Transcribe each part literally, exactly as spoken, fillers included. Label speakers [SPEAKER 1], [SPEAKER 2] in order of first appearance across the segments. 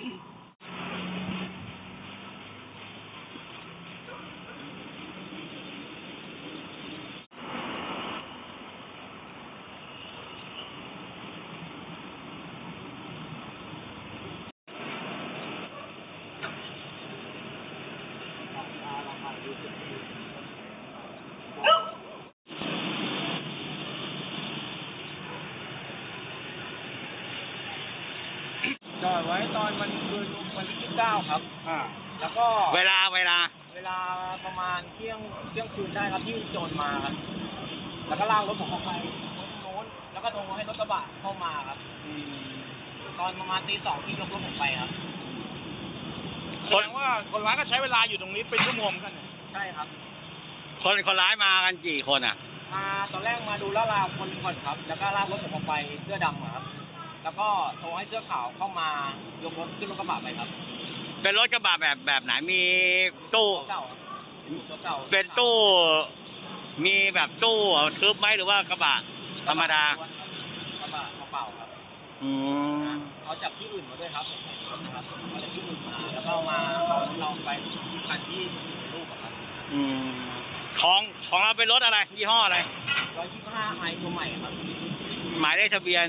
[SPEAKER 1] จอดไว้ตอนวันคืนวันที่ยี่สิบเก้าครับอ่าแล้วก็
[SPEAKER 2] เวลาเวลา
[SPEAKER 1] เวลาประมาณเที่ยงเที่ยงคืนได้ครับที่โจรมาครับแล้วก็ลากรถผมออกไปรถโน้นแล้วก็โทรให้รถกระบะเข้ามาครับตอนประมาณตีสองที่ยกรถผมไปครับ
[SPEAKER 3] แสดงว่าคนร้ายก็ใช้เวลาอยู่ตรงนี้เป็นชั่วโมงกัน
[SPEAKER 1] ใช่ครับ
[SPEAKER 2] คนคนร้ายมากันกี่คนอ่ะ
[SPEAKER 1] มาตอนแรกมาดูลาดราวคนก่อนครับแล้วก็ลากรถผมออกไปเสื้อดำครับแล้วก็โทรให้เสื้อขาวเข้ามายกรถขึ้นรถกระบะไปครับ
[SPEAKER 2] เป็นรถกระบะแบบแบบไหนมีตู้
[SPEAKER 1] เก่าเก่า
[SPEAKER 2] เป็นตู้มีแบบตู้ทึบไหมหรือว่ากระบะธรรมดาก
[SPEAKER 1] ระบะเปล่าครับ
[SPEAKER 2] อืม
[SPEAKER 1] เขาจับที่อื่นมาด้วยครับนะครับเอาจากที่อื่นมาแล้วก็มาเอาเราไปคันที่รูปครับ
[SPEAKER 2] อืมของของเราเป็นรถอะไรยี่ห้ออะไร
[SPEAKER 1] ร้อยยี่สิบห้าไอตัวใหม่ครับ
[SPEAKER 2] หมายเลขทะเบียน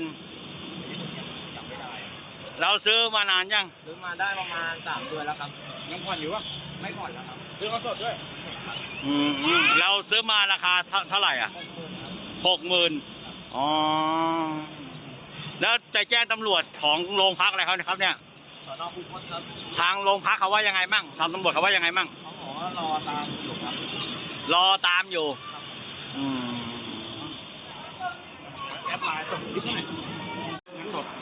[SPEAKER 2] เราซื้อมานานยัง
[SPEAKER 1] ซื้อมาได้ประมาณสามเดือนแล้วครับ
[SPEAKER 3] ยังผ่อนอยู่วะ
[SPEAKER 1] ไม่ผ่อนแล้วครับ
[SPEAKER 3] ซื้อมาสดด้วย
[SPEAKER 2] อืมเราซื้อมาราคาเท่าไหร่อ่ะหกหมื่นอ๋อแล้วจะแจ้งตำรวจของโรงพักอะไรเขาครับเนี่ย
[SPEAKER 1] สน.คูคตครับ
[SPEAKER 2] ทางโรงพักเขาว่ายังไงมั่งทางตำรวจเขาว่ายังไงมั่ง
[SPEAKER 1] เขาบอกว่ารอตามอยู่ครับ
[SPEAKER 2] รอตามอยู่อืม
[SPEAKER 3] แอปไลน์ส่งคลิปให้สด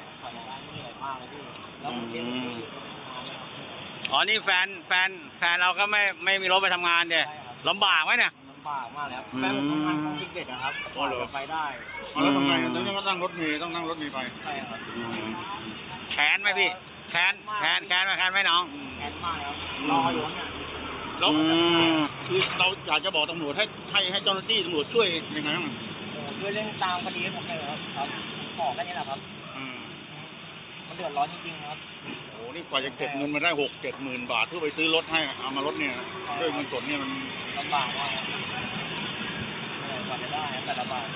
[SPEAKER 2] อ๋อนี่แฟนแฟนแฟนเราก็ไม่ไม่มีรถไปทำงานเดี่ยลำบากไหมเนี่ย
[SPEAKER 1] ลำบากมากแล้วแฟนผมทำงานของเด็กๆครับพอไปได้
[SPEAKER 3] แล้วทำไงต้องนั่งรถเมล์ต้องนั่งรถเมล์ไป
[SPEAKER 1] ใช่ครับ
[SPEAKER 2] แขนไหมพี่แขนแขนแขนไหมแขนไหมน้อง
[SPEAKER 1] แขนมากครับรออยู่เนี่ย
[SPEAKER 3] แล้วคือเราอยากจะบอกตำรวจให้ให้ให้เจ้าหน้าที่ตำรวจช่วยยังไงบ้าง
[SPEAKER 1] ช่วยเรื่องตามคดีให้ผมเลยครับครับขอแค่นี้แหละครับมันเดือดร้อนจริงๆครับ
[SPEAKER 3] โอ้นี่กว่าจะเก็บเงินมาได้หกเจ็ดหมื่นบาทเพื่อไปซื้อรถให้เอามารถเนี่ยด้วยเงินสดเนี่ยมัน
[SPEAKER 1] ลำบากมากกว่าจะได้แต่ละบาท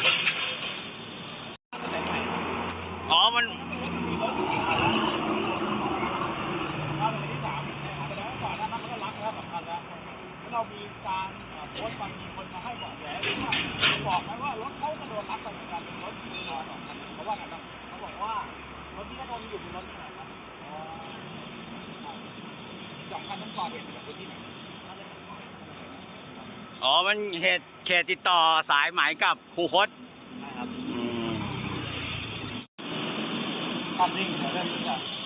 [SPEAKER 2] อ๋อมัน
[SPEAKER 1] เรามีการโพสต์บางทีคนมาให้บอกแหวนบอกไหมว่ารถเขากระโดดรับไปเหมือนกันเป็นรถมีสองคันเขาว่าไงบ้างเขาบอกว่ารถที่เขาโดนอยู่เป็นรถที่ไหนครับสองคันนั้นก่อเหตุจากที่ไหน
[SPEAKER 2] อ๋อมันเหตุเขตติดต่อสายไหมกับคูคต
[SPEAKER 1] ใช่ครับความจริงเรื่องนี้